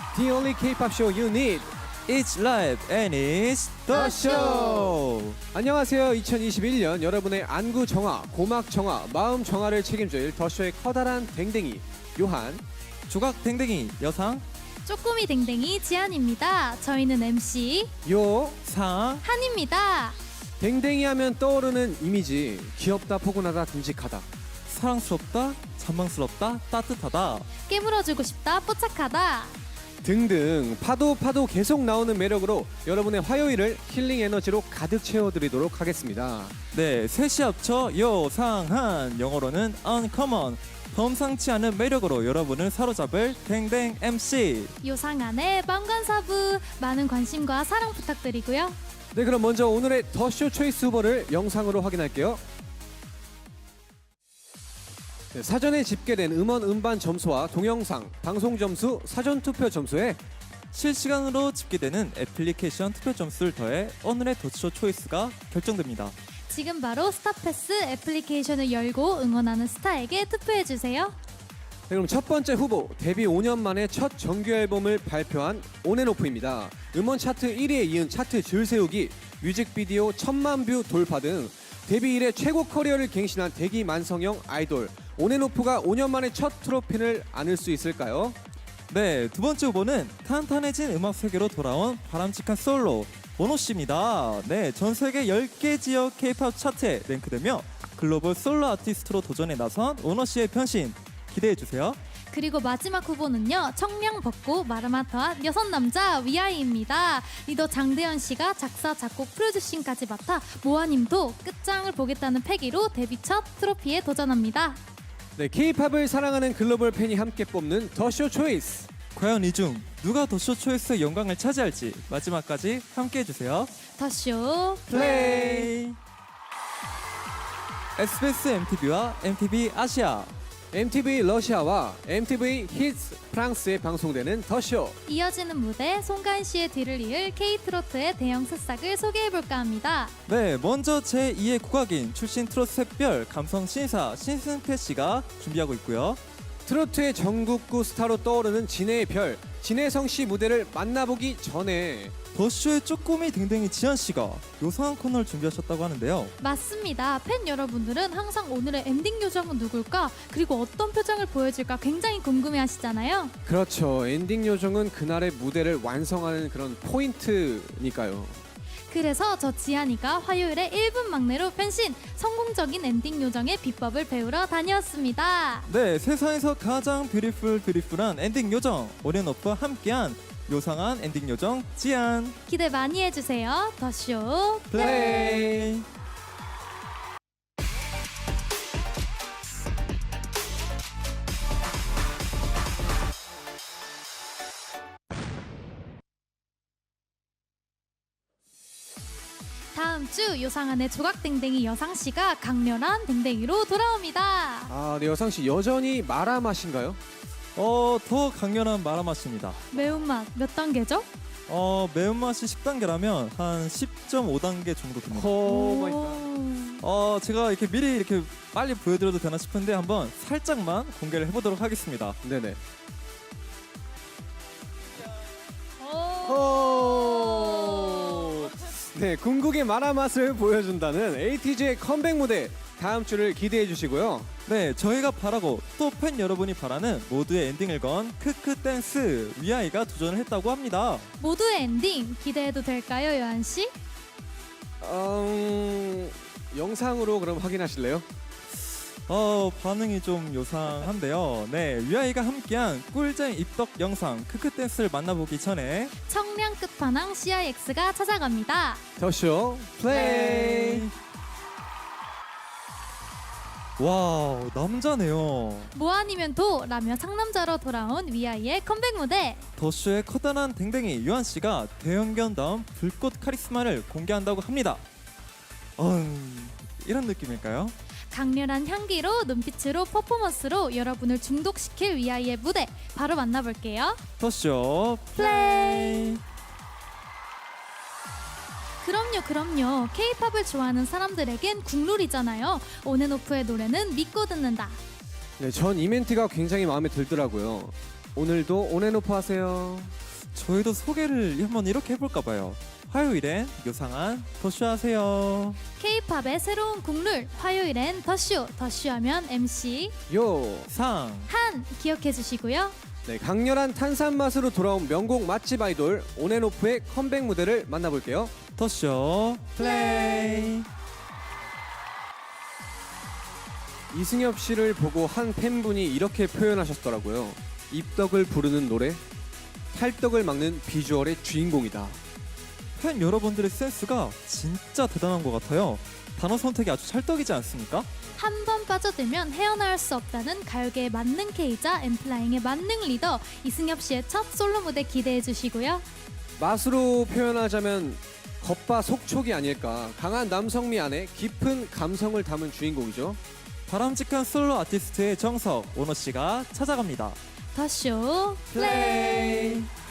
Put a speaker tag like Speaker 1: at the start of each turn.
Speaker 1: The only K-pop show you need.
Speaker 2: It's live and it's the show.
Speaker 1: 안녕하세요. 2021년 여러분의 안구 정화, 고막 정화, 마음 정화를 책임질 더쇼의 커다란 댕댕이 요한,
Speaker 2: 조각 댕댕이 여상
Speaker 3: 쪼꼬미 댕댕이 지안입니다. 저희는 MC
Speaker 2: 상
Speaker 3: 한입니다.
Speaker 1: 댕댕이 하면 떠오르는 이미지 귀엽다, 포근하다, 듬직하다.
Speaker 2: 사랑스럽다, 잔망스럽다, 따뜻하다.
Speaker 3: 깨물어주고 싶다, 뽀짝하다.
Speaker 1: 등등 파도 계속 나오는 매력으로 여러분의 화요일을 힐링 에너지로 가득 채워드리도록 하겠습니다.
Speaker 2: 네, 셋이 합쳐 요상한, 영어로는 uncommon, 범상치 않은 매력으로 여러분을 사로잡을 댕댕 MC.
Speaker 3: 요상한의 방관사부 많은 관심과 사랑 부탁드리고요.
Speaker 1: 네, 그럼 먼저 오늘의 더쇼 초이스 후보를 영상으로 확인할게요. 네, 사전에 집계된 음원 음반 점수와 동영상, 방송 점수, 사전 투표 점수에
Speaker 2: 실시간으로 집계되는 애플리케이션 투표 점수를 더해 오늘의 더쇼 초이스가 결정됩니다.
Speaker 3: 지금 바로 스타패스 애플리케이션을 열고 응원하는 스타에게 투표해주세요.
Speaker 1: 네, 그럼 첫 번째 후보, 데뷔 5년 만에 첫 정규 앨범을 발표한 온앤오프입니다. 음원 차트 1위에 이은 차트 줄 세우기, 뮤직비디오 1000만 뷰 돌파 등 데뷔 이래 최고 커리어를 갱신한 대기 만성형 아이돌 온앤오프가 5년 만에 첫 트로피를 안을 수 있을까요?
Speaker 2: 네, 두 번째 후보는 탄탄해진 음악 세계로 돌아온 바람직한 솔로 원호 씨입니다. 네, 전 세계 10개 지역 K-팝 차트에 랭크되며 글로벌 솔로 아티스트로 도전에 나선 원호 씨의 변신 기대해 주세요.
Speaker 3: 그리고 마지막 후보는요, 청량 벗고 마라마터한 여섯 남자 위아이입니다. 리더 장대현 씨가 작사, 작곡, 프로듀싱까지 맡아 모아님도 끝장을 보겠다는 패기로 데뷔 첫 트로피에 도전합니다.
Speaker 1: 네, K-팝을 사랑하는 글로벌 팬이 함께 뽑는 더쇼 초이스.
Speaker 2: 과연 이 중 누가 더쇼 초이스의 영광을 차지할지 마지막까지 함께 해주세요.
Speaker 3: 더쇼
Speaker 2: 플레이. SBS MTV와 MTV 아시아,
Speaker 1: MTV 러시아와 MTV 히츠 프랑스에 방송되는 더쇼.
Speaker 3: 이어지는 무대 송가인 씨의 뒤를 이을 K-트로트의 대형 새싹을 소개해볼까 합니다.
Speaker 2: 네, 먼저 제2의 국악인 출신 트로트 샛별 감성 신사 신승태 씨가 준비하고 있고요.
Speaker 1: 트로트의 전국구 스타로 떠오르는 진해의 별, 진해성 씨 무대를 만나보기 전에
Speaker 2: 더쇼의 쪼꼬미 댕댕이 지안 씨가 요상한 코너를 준비하셨다고 하는데요.
Speaker 3: 맞습니다. 팬 여러분들은 항상 오늘의 엔딩 요정은 누굴까? 그리고 어떤 표정을 보여줄까 굉장히 궁금해하시잖아요.
Speaker 1: 그렇죠. 엔딩 요정은 그날의 무대를 완성하는 그런 포인트니까요.
Speaker 3: 그래서 저 지안이가 화요일에 1분 막내로 변신! 성공적인 엔딩 요정의 비법을 배우러 다녀왔습니다.
Speaker 2: 네, 세상에서 가장 뷰티풀한 엔딩 요정 온앤오프와 함께한 요상한 엔딩 요정 지안.
Speaker 3: 기대 많이 해주세요. 더쇼
Speaker 2: 플레이.
Speaker 3: 다음 주 요상한의 조각댕댕이 여상씨가 강렬한 댕댕이로 돌아옵니다.
Speaker 1: 아, 네, 여상 씨 여전히 마라 맛인가요?
Speaker 2: 더 강렬한 마라맛입니다.
Speaker 3: 매운맛 몇 단계죠?
Speaker 2: 매운맛이 10단계라면 한 10.5단계 정도 됩니다.
Speaker 1: 오 마이 갓.
Speaker 2: 제가 이렇게 미리 이렇게 빨리 보여드려도 되나 싶은데 한번 살짝만 공개를 해보도록 하겠습니다.
Speaker 1: 네네. 네, 궁극의 마라 맛을 보여준다는 에이티즈의 컴백 무대 다음 주를 기대해 주시고요.
Speaker 2: 네, 저희가 바라고 또 팬 여러분이 바라는 모두의 엔딩을 건 크크 댄스 위아이가 도전을 했다고 합니다.
Speaker 3: 모두의 엔딩 기대해도 될까요, 요한씨?
Speaker 1: 영상으로 그럼 확인하실래요?
Speaker 2: 반응이 좀 요상한데요. 네, 위아이가 함께한 꿀잼 입덕 영상 크크 댄스를 만나보기 전에
Speaker 3: 청량 끝판왕 CIX가 찾아갑니다.
Speaker 1: 더쇼 플레이.
Speaker 2: 와우, 남자네요.
Speaker 3: 뭐 아니면 도라며 상남자로 돌아온 위아이의 컴백 무대.
Speaker 2: 더쇼의 커다란 댕댕이 유한 씨가 대형견다운 불꽃 카리스마를 공개한다고 합니다. 이런 느낌일까요?
Speaker 3: 강렬한 향기로 눈빛으로 퍼포먼스로 여러분을 중독시킬 위아이의 무대 바로 만나볼게요.
Speaker 2: 더쇼
Speaker 3: 플레이. 그럼요. K-팝을 좋아하는 사람들에겐 국룰이잖아요. 온앤오프의 노래는 믿고 듣는다.
Speaker 1: 네, 전 이 멘트가 굉장히 마음에 들더라고요. 오늘도 온앤오프 하세요.
Speaker 2: 저희도 소개를 한번 이렇게 해볼까 봐요. 화요일엔 요상한 더쇼 하세요.
Speaker 3: K-팝의 새로운 국룰 화요일엔 더쇼하면 MC
Speaker 1: 요.
Speaker 2: 상.
Speaker 3: 한 기억해 주시고요.
Speaker 1: 네, 강렬한 탄산 맛으로 돌아온 명곡 맛집 아이돌 온앤오프의 컴백 무대를 만나볼게요.
Speaker 2: 더쇼 플레이.
Speaker 1: 이승엽 씨를 보고 한 팬분이 이렇게 표현하셨더라고요. 입덕을 부르는 노래, 탈덕을 막는 비주얼의 주인공이다.
Speaker 2: 팬 여러분들의 센스가 진짜 대단한 것 같아요. 단어 선택이 아주 찰떡이지 않습니까?
Speaker 3: 한 번 빠져들면 헤어나올 수 없다는 가요계의 만능 K자 엠플라잉의 만능 리더 이승엽 씨의 첫 솔로 무대 기대해 주시고요.
Speaker 1: 맛으로 표현하자면 겉바속촉이 아닐까. 강한 남성미 안에 깊은 감성을 담은 주인공이죠.
Speaker 2: 바람직한 솔로 아티스트의 정석 오너 씨가 찾아갑니다.
Speaker 3: 더쇼 플레이.